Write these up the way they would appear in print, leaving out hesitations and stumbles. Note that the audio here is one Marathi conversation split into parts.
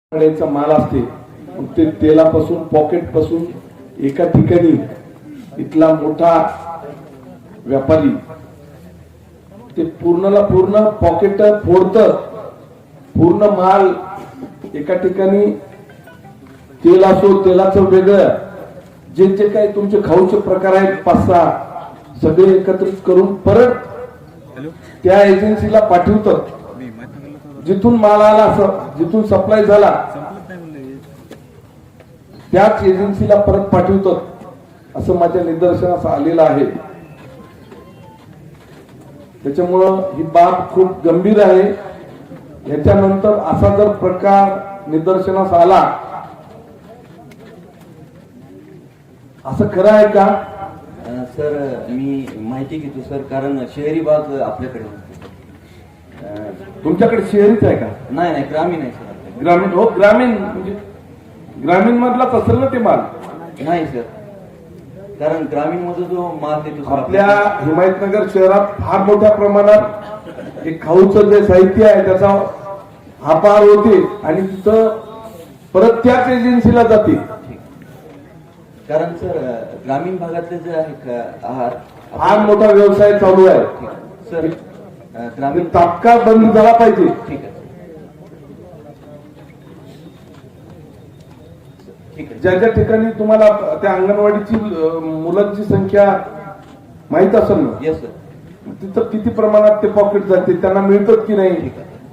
चा माल असते ते तेलापासून पॉकेट पासून एका ठिकाणी इथला मोठा व्यापारी ते पूर्णला पूर्ण पॉकेट फोडत पूर्ण माल एका ठिकाणी तेल असो तेलाचं वेगळं जे जे काही तुमचे खाऊचे प्रकार आहेत 5-6 सगळे एकत्रित करून परत त्या एजन्सीला पाठवतात जिथून माल आला जिथून सप्लाय झाला त्याच एजन्सीला परत पाठवतात असं माझ्या निदर्शनास आलेलं आहे। त्याच्यामुळं ही बाब खूप गंभीर आहे। याच्यानंतर असा जर प्रकार निदर्शनास आला असं खरं आहे का सर? मी माहिती घेतो सर, कारण शहरी भाग आपल्याकडे तुमच्याकडे शहरीच आहे का? नाही ग्रामीण आहे सर। ग्रामीण हो ग्रामीण म्हणजे ग्रामीण मधलाच असेल ना ते माल? नाही सर, कारण ग्रामीण मध्ये जो माल देतो आपल्या हिमायतनगर शहरात फार मोठ्या प्रमाणात एक खाऊचं जे साहित्य आहे त्याचा हापार होते आणि तिथं परत त्याच एजन्सीला जाते। कारण सर ग्रामीण भागातले जे आहे आहार फार मोठा व्यवसाय चालू आहे सर। ग्रामीण तात्काळ बंद झाला पाहिजे। ठीक आहे ज्या ज्या ठिकाणी तुम्हाला त्या अंगणवाडीची मुलांची संख्या माहित असेल ना? Yes sir. तिथं किती प्रमाणात ते पॉकेट जाते त्यांना मिळतात की नाही?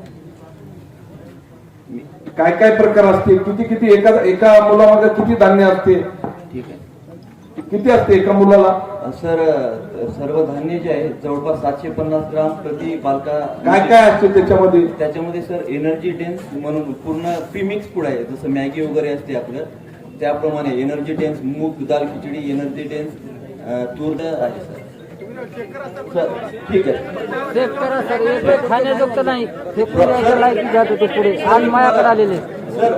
काय काय प्रकार असते किती किती एका मुलामागे किती धान्य असते? ठीक आहे। किती असते एका मुलाला? सर सर्व धान्य जे आहे जवळपास 750 ग्राम प्रति बालका। काय काय असते त्याच्यामध्ये? त्याच्यामध्ये सर एनर्जी डेन्स म्हणून पूर्ण प्रीमिक्स फूड आहे, जसं मॅगी वगैरे असते आपलं त्याप्रमाणे एनर्जी डेन्स मूग दाल खिचडी एनर्जी डेन्स तूर डाळ आहे सर। ठीक आहे चेक करा सर, एक खाण्याजोगतं नाही हे पुढे लायकी जात होते पुढे आज मायाकडे आलेले सर।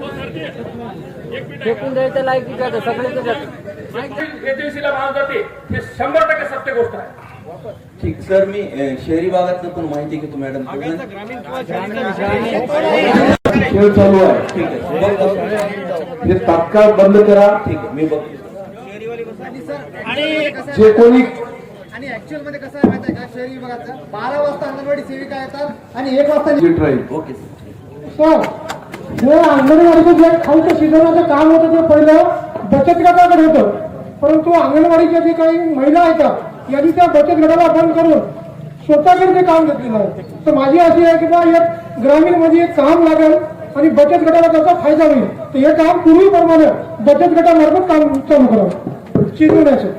फेकून द्यायचं लायकी जात सगळे एजन्सीला माल जाते हे 100% सत्य गोष्ट आहे। ठीक सर, मी शहरी भागातलं पण माहिती घेतो मॅडम। खेळ चालू आहे ठीक आहे हे तात्काळ बंद करा। ठीक आहे मी बघतो जे कोणी आणि ऍक्च्युअल मध्ये कसं आहे माहिती आहे का, शहरी विभागाचं 12 वाजता अंगणवाडी सेविका येतात आणि 1 वाजता ओके सर। जे अंगणवाडीचं जे खाऊचं शिजवण्याचं काम होतं ते पहिलं बचत गटाकडे होतं, परंतु अंगणवाडीच्या जे काही महिला आहेत यांनी त्या बचत गटाला बंद करून स्वतःकडे ते काम घेतलेलं आहे। तर माझी अशी आहे की बा एक ग्रामीण मध्ये एक काम लागेल आणि बचत गटाला त्याचा फायदा होईल, तर हे काम पूर्वीप्रमाणे बचत गटामार्फत काम चालू करावं शिजवण्याचं।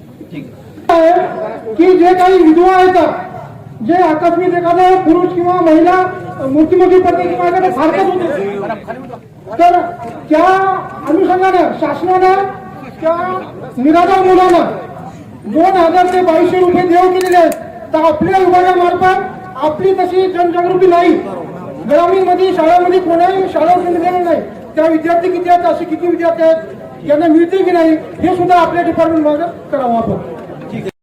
की जे काही विधवा आहेत जे आकस्मिक एखादा पुरुष किंवा महिला मृत्युमुखी पडते किंवा एखाद्या फारकत होते, तर त्या अनुषंगाने शासनानं त्या निराधार मुलांना 2000 ते 2200 रुपये देऊ केलेले आहेत। तर आपल्या विभागामार्फत आपली तशी जनजागृती नाही, ग्रामीण मध्ये शाळांमध्ये कोणाही शाळा दिलेलं नाही। त्या विद्यार्थी किती आहेत, असे किती विद्यार्थी आहेत, यांना मिळते की नाही हे सुद्धा आपल्या डिपार्टमेंट मागे करावं आपण।